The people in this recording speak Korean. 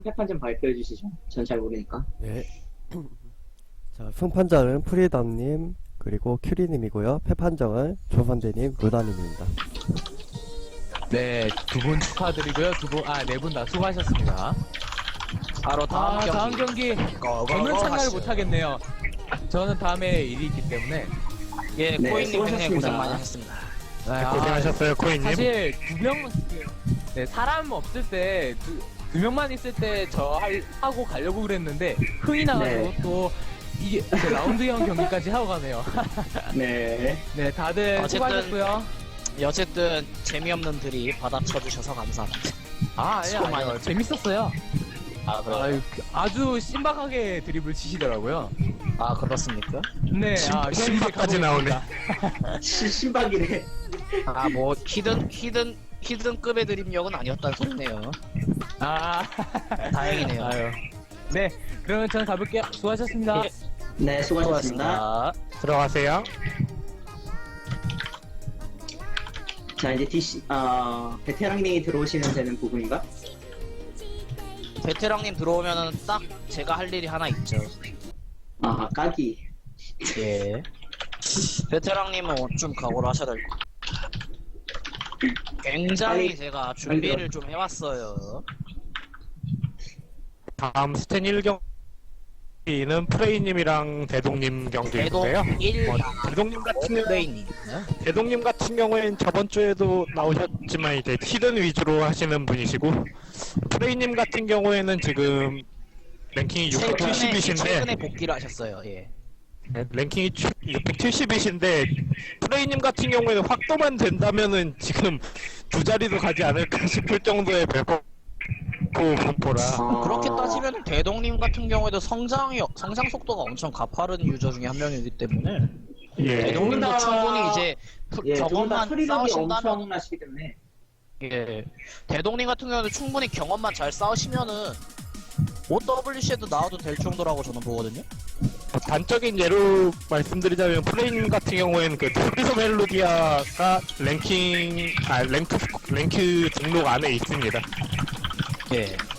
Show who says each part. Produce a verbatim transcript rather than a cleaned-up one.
Speaker 1: 패판 좀 발표해 주시죠. 전 잘 모르니까.
Speaker 2: 네. 자, 승판자는 프리덤님, 그리고 큐리님이고요. 패판정은 조선대님, 루다님입니다.
Speaker 3: 네, 두 분 축하드리고요. 두 분, 아, 네 분 다 수고하셨습니다.
Speaker 4: 바로 다음
Speaker 3: 아,
Speaker 4: 경기.
Speaker 3: 다음 경기.
Speaker 4: 거, 거,
Speaker 3: 저는
Speaker 4: 거
Speaker 3: 참가를
Speaker 4: 하시죠.
Speaker 3: 못하겠네요. 저는 다음에 일이 있기 때문에.
Speaker 4: 예,
Speaker 1: 네,
Speaker 4: 코인님 굉장히
Speaker 1: 수고하셨습니다.
Speaker 4: 고생 많이 하셨습니다.
Speaker 3: 아,
Speaker 5: 고생하셨어요, 코인님.
Speaker 3: 사실 두 명, 네, 사람 없을 때, 두, 두 명만 있을 때 저 할, 하고 가려고 그랬는데, 흥이 나가지고
Speaker 1: 네.
Speaker 3: 또, 이게 이제 라운드형 경기까지 하고 가네요.
Speaker 1: 네.
Speaker 3: 네, 다들
Speaker 4: 어쨌든-
Speaker 3: 수고하셨고요.
Speaker 4: 어쨌든 재미없는 들이 받아쳐주셔서 감사합니다.
Speaker 3: 아,
Speaker 4: 수고
Speaker 3: 아니요,
Speaker 4: 많이
Speaker 3: 아니요.
Speaker 4: 했죠.
Speaker 3: 재밌었어요.
Speaker 4: 아, 그래.
Speaker 3: 아유, 그- 아주 신박하게 드립을 치시더라고요.
Speaker 4: 아, 그렇습니까?
Speaker 3: 네,
Speaker 5: 신-
Speaker 3: 아, 현재
Speaker 5: 신박까지 나오네.
Speaker 3: 가보겠습니다.
Speaker 1: 시, 신박이네.
Speaker 4: 아, 뭐 히든 히든 히든급의 드립력은 아니었다는 소리네요.
Speaker 3: 아,
Speaker 4: 다행이네요.
Speaker 3: 아유. 네, 그러면 저는 가볼게요. 수고하셨습니다.
Speaker 4: 예.
Speaker 1: 네, 수고하셨습니다.
Speaker 5: 들어가세요.
Speaker 1: 자, 이제 디씨, 어, 베테랑님이 들어오시면 되는 부분인가?
Speaker 4: 베테랑님 들어오면은 딱 제가 할 일이 하나 있죠.
Speaker 1: 아, 까기.
Speaker 4: 예. 베테랑님은 좀 각오를 하셔야 될 것 같아요. 굉장히
Speaker 1: 빨리-
Speaker 4: 제가 준비를 좀 해왔어요.
Speaker 5: 다음 스탠 일 경기는 프레이님이랑 대동님
Speaker 4: 대동
Speaker 5: 경기인데요.
Speaker 4: 일
Speaker 5: 어, 대동님 같은 경우,
Speaker 4: 플레이님.
Speaker 5: 대동님 같은 경우에는 저번 주에도 나오셨지만 이제 히든 위주로 하시는 분이시고, 프레이님 같은 경우에는 지금 랭킹이
Speaker 4: 최근에,
Speaker 5: 육백칠십이신데
Speaker 4: 최근에 복귀를 하셨어요. 예.
Speaker 5: 랭킹이 육백칠십이신데 프레이님 같은 경우에는 확도만 된다면은 지금 두 자리도 가지 않을까 싶을 정도의 배고 분포라.
Speaker 1: 어,
Speaker 4: 그렇게 따지면 대동님 같은 경우에도 성장이 성장 속도가 엄청 가파른 유저 중에 한 명이기 때문에
Speaker 5: 예.
Speaker 4: 대동님도
Speaker 1: 다-
Speaker 4: 충분히 이제 프-
Speaker 1: 예, 두분 다
Speaker 4: 경험만
Speaker 1: 처리력이
Speaker 4: 쌓으신다면
Speaker 1: 엄청나시기 때문에.
Speaker 4: 예. 대동님 같은 경우는 충분히 경험만 잘 쌓으시면은 오더블유씨에도 나와도 될 정도라고 저는 보거든요.
Speaker 5: 단적인 예로 말씀드리자면 프레임 같은 경우에는 그 프리서 멜로디아가 랭킹 아 랭크 랭크 등록 안에 있습니다.
Speaker 4: 예.